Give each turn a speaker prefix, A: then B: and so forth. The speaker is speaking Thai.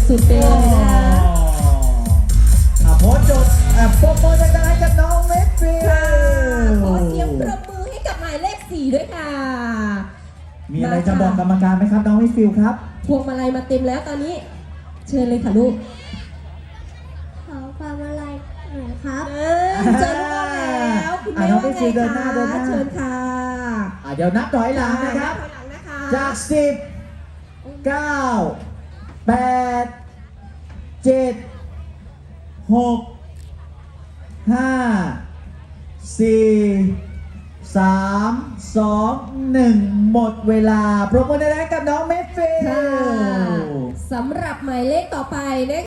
A: สุดๆไปเลยนะ
B: โพสต์จุดโปรโมทดังๆให้กับน้องเมดฟิล
A: ค่ะขอเสียงปรบมือให้กับหมายเลข 4ด้วยค่ะ
B: มีอะไรจะบอกกรรมการไหมครับน้องเมดฟิลครับ
A: พวงมาลัยมาเต็มแล้วตอนนี้เชิญเลยค่ะลูก
C: ขอความอะไรหน่อยครับ
A: เจอลูกแล้วคุณแม่ว่าไงคะเชิญค่ะ
B: เดี๋ยวนับถอยหลังนะครับจาก10 9 8 7 6 5 4 3 2 1หมดเวลาปรบมือได้กับน้องเมดฟิล
A: สำหรับหมายเลขต่อไปนะคะ